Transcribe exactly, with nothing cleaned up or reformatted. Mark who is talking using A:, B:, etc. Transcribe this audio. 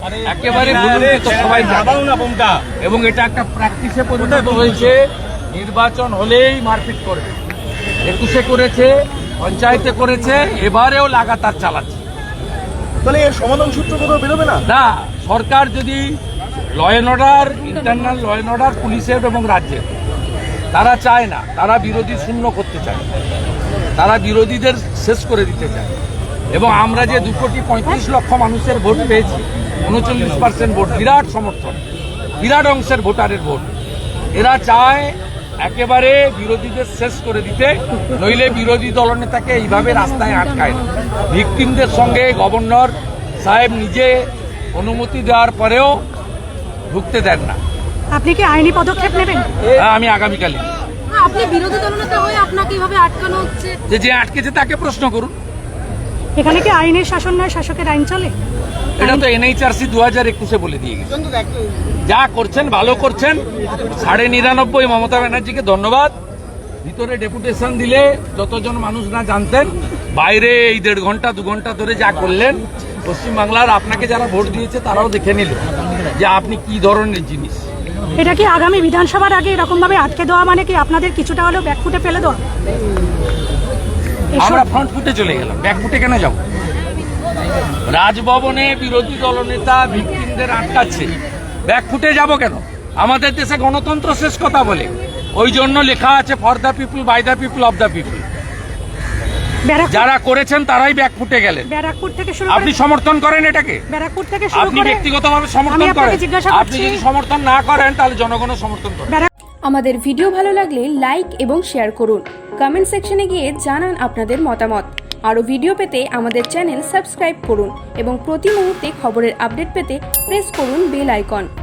A: একেবারে সবাই এবং এটা একটা প্র্যাকটিসে পরিণত হয়েছে। নির্বাচন হলেই মারপিট করবে, একুশে করেছে, পঞ্চায়েতে করেছে, এবারেও লাগাতার চালাচ্ছে।
B: তাহলে এর সমাধান সূত্র কোথাও বেরোবে না?
A: না, সরকার যদি law and order, internal law and order পুলিশের এবং রাজ্যের, তারা চায় না, তারা বিরোধী শূন্য করতে চায়, তারা বিরোধীদের শেষ করে দিতে চায়। এবং আমরা যে দু কোটি পঁয়ত্রিশ লক্ষ মানুষের ভোট পেয়েছি, উনচল্লিশ পার্সেন্ট ভোট, বিরাট সমর্থন, বিরাট অংশের ভোটারের ভোট, এরা চায় একেবারে বিরোধীদের শেষ করে দিতে, নইলে বিরোধী দলনেতাকে এইভাবে রাস্তায় আটকায় না। ভিকটিমদের সঙ্গে গভর্নর সাহেব নিজে অনুমতি দেওয়ার পরেও ঢুকতে দেন না।
C: আপনি কি আইনি পদক্ষেপ নেবেন?
A: হ্যাঁ, আমি আগামীকালই।
D: আপনি বিরোধী দলনেতা হয়ে আপনাকে এইভাবে আটকানো হচ্ছে,
A: যে যে আটকেছে তাকে প্রশ্ন করুন।
C: এখানে কি আইনের শাসন নয়, শাসকের আইন চলে?
A: এটা তো এনএইচআরসি দু হাজার একুশে বলে দিয়ে গেছে। যা করছেন ভালো করছেন, সাড়ে নিরানব্বই মমতা ব্যানার্জিকে ধন্যবাদ। ভিতরে ডেপুটেশন দিলে যতজন মানুষ না জানতেন, বাইরে এই দেড় ঘন্টা দু ঘন্টা ধরে যা করলেন, পশ্চিমবাংলার আপনাকে যারা ভোট দিয়েছে তারাও দেখে নিল যে আপনি কি ধরনের জিনিস।
C: এটা কি আগামী বিধানসভার আগে এরকম ভাবে আটকে দেওয়া মানে কি আপনাদের কিছুটা হলেও ব্যাকফুটে ফেলে দেওয়া?
A: আমরা ফ্রন্ট ফুটে চলে গেলাম, ব্যাক ফুটে কেন যাব? রাজভবনে বিরোধী দলনেতা ভিকটিমদের আটকাচ্ছে, ব্যাক ফুটে যাব কেন? আমাদের দেশে গণতন্ত্র শেষ কথা বলে, ওই জন্য লেখা আছে for the people, by the people, of the people. যারা করেছেন তারাই ব্যাক ফুটে গেলেন।
C: ব্যারাকপুর থেকে শুরু
A: আপনি সমর্থন করেন এটাকে?
C: ব্যারাকপুর থেকে শুরু
A: আপনি
C: করে
A: ব্যক্তিগতভাবে সমর্থন করেন? আপনি যদি সমর্থন না করেন তাহলে জনগণও সমর্থন করে।
E: আমাদের ভিডিও ভালো লাগলে লাইক এবং শেয়ার করুন। কমেন্ট সেকশনে গিয়ে জানান আপনাদের মতামত। আরও ভিডিও পেতে আমাদের চ্যানেল সাবস্ক্রাইব করুন এবং প্রতি মুহূর্তে খবরের আপডেট পেতে প্রেস করুন বেল আইকন।